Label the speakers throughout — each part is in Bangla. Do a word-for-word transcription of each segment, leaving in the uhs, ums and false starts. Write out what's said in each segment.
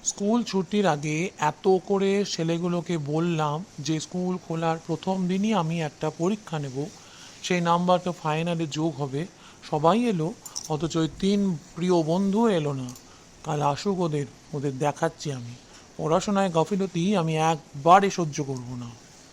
Speaker 1: স্কুল ছুটির আগে এত করে ছেলেগুলোকে বললাম যে স্কুল খোলার প্রথম দিনই আমি একটা পরীক্ষা নেব, সেই নাম্বারটা ফাইনালে যোগ হবে। সবাই এলো, অথচ ওই তিন প্রিয় বন্ধু এলো না। কাল আসুক, ওদের ওদের দেখাচ্ছি আমি। পড়াশোনায় গাফিলতি আমি একবারে সহ্য করব না।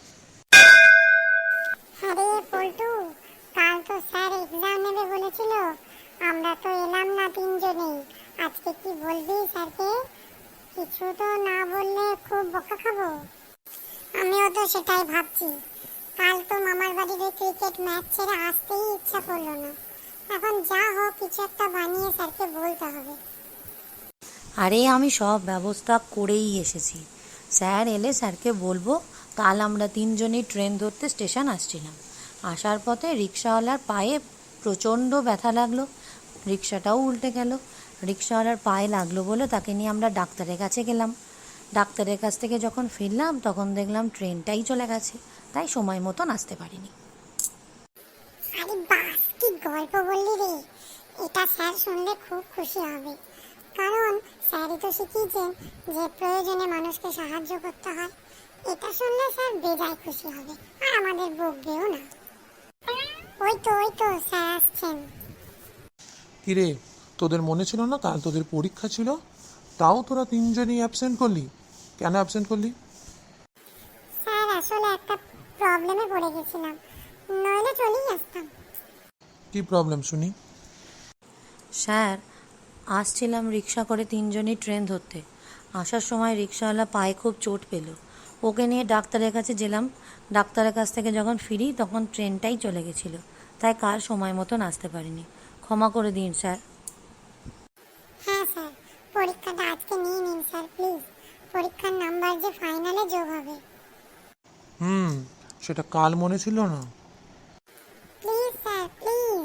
Speaker 2: আরে পল্টু, কাল তো স্যার এক্সাম নেবে বলেছিল, আমরা তো এলাম না তিনজনেই। আজকে কি বলবি স্যারকে? কিছু তো না বললে খুব বকা খাবো। আমিও তো সেটাই ভাবছি। কাল তো মামার বাড়ির ক্রিকেট ম্যাচ ছেড়ে আসতেই ইচ্ছা করলো না। এখন যা হোক কিছু একটা বানিয়ে স্যারকে বলতে হবে।
Speaker 3: আরে আমি সব ব্যবস্থা করেই এসেছি। স্যার এলে স্যারকে বলবো কাল আমরা তিনজনই ট্রেন ধরতে স্টেশন আসছিলাম। আসার পথে রিক্সাওয়ালার পায়ে প্রচণ্ড ব্যথা লাগলো, রিক্সাটাও উল্টে গেল। রিক্সাওয়ালার পায়ে লাগলো বলে তাকে নিয়ে আমরা ডাক্তারের কাছে গেলাম। ডাক্তারের কাছ থেকে যখন ফিরলাম তখন দেখলাম ট্রেনটাই চলে গেছে, তাই সময় মতন আসতে পারিনি।
Speaker 2: আরে বাস, কি গল্প বললি রে! এটা স্যার শুনলে খুব খুশি হবে, কারণ স্যারই তো শিখিয়েছেন যে প্রয়োজনে মানুষকে সাহায্য করতে হয়। এটা শুনলে স্যার বেজায় খুশি হবে, আর আমাদের বকবেও না। ওই তো ওই তো স্যার আসছেন।
Speaker 1: কিরে, তোদের মনে ছিল না কাল তোদের পরীক্ষা ছিল? তাও তোরা তিনজনই অ্যাবসেন্ট করলি। কেন অ্যাবসেন্ট করলি?
Speaker 2: স্যার আসলে একটা প্রবলেমে পড়ে গেছিলাম, নইলে চলেই আসতাম।
Speaker 1: কি প্রবলেম শুনি?
Speaker 3: স্যার, আসছিলাম রিক্সা করে তিনজনই ট্রেন ধরতে। আসার সময় রিক্সাওয়ালা পায়ে খুব চোট পেল, ওকে নিয়ে ডাক্তারের কাছে গেলাম। ডাক্তারের কাছ থেকে যখন ফিরি তখন ট্রেনটাই চলে গেছিলো, তাই কাল সময় মতন আসতে পারিনি। ক্ষমা করে দিন স্যার।
Speaker 2: হ্যাঁ স্যার, পরীক্ষাটা আজকে নিয়ে নিন স্যার প্লিজ। পরীক্ষার নাম্বার যে ফাইনালে যোগ হবে।
Speaker 1: হুম, সেটা কাল মনে ছিল না।
Speaker 2: Please sir please.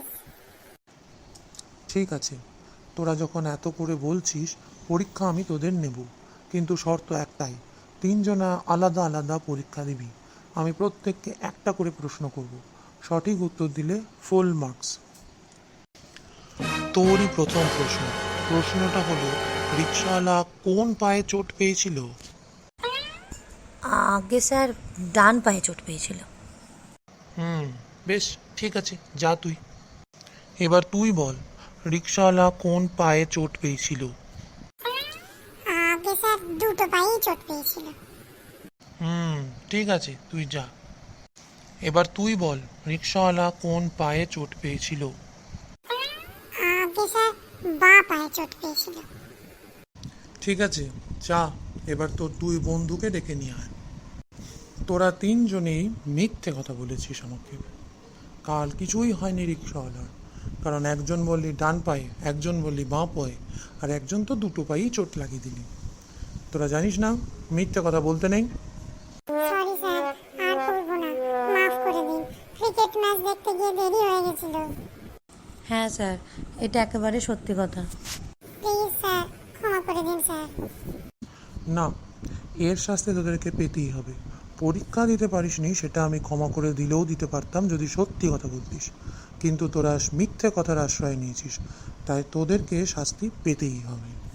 Speaker 1: ঠিক আছে, তোরা যখন এত করে বলছিস, পরীক্ষা আমি তোদের নেব, কিন্তু শর্ত একটাই, তিনজনা আলাদা আলাদা পরীক্ষা দিবি। আমি প্রত্যেককে একটা করে প্রশ্ন করব, সঠিক উত্তর দিলে ফুল মার্কস। তোরই প্রথম প্রশ্ন। প্রশ্নটা হলো, রিক্সাওয়ালা কোন পায়ে চোট পেয়েছিল?
Speaker 3: আগে স্যার ডান পায়ে চোট পেয়েছিল।
Speaker 1: হুম, বেশ, ঠিক আছে, যা তুই। এবার তুই বল, রিক্সাওয়ালা কোন পায়ে চোট পেয়েছিল?
Speaker 2: আগে স্যার দুটো পায়েই চোট পেয়েছিল।
Speaker 1: হুম, ঠিক আছে, তুই যা। এবার তুই বল, রিক্সাওয়ালা কোন পায়ে চোট পেয়েছিল?
Speaker 2: আগে স্যার বাঁ পায়ে চোট পেয়েছিল।
Speaker 1: ঠিক আছে, যা। এবার তোর দুই বন্ধুকে ডেকে নিয়ে আয়। তোরা তিনজনেই মিথ্যে কথা বলেছিস আমাকে। কাল কিছুই হয়নি রিক্সাওয়ালার, কারণ একজন বললি ডান পায়ে, একজন বললি বাঁ পায়ে, আর একজন তো দুটো পায়েই চোট লাগিয়ে দিলি। তোরা জানিস না মিথ্যে কথা বলতে নেই।
Speaker 2: সরি স্যার, আর করবো না, মাফ করে দিন। ক্রিকেট ম্যাচ দেখতে গিয়ে দেরি হয়ে গেছিল।
Speaker 3: হ্যাঁ স্যার, এটা একেবারে সত্যি কথা।
Speaker 2: প্লিজ স্যার, ক্ষমা করে দিন স্যার।
Speaker 1: না, এর শাস্তি তোদেরকে পেতেই হবে। পরীক্ষা দিতে পারিসনি সেটা আমি ক্ষমা করে দিলেও দিতে পারতাম যদি সত্যি কথা বলতিস, কিন্তু তোরা মিথ্যে কথার আশ্রয় নিয়েছিস, তাই তোদেরকে শাস্তি পেতেই হবে।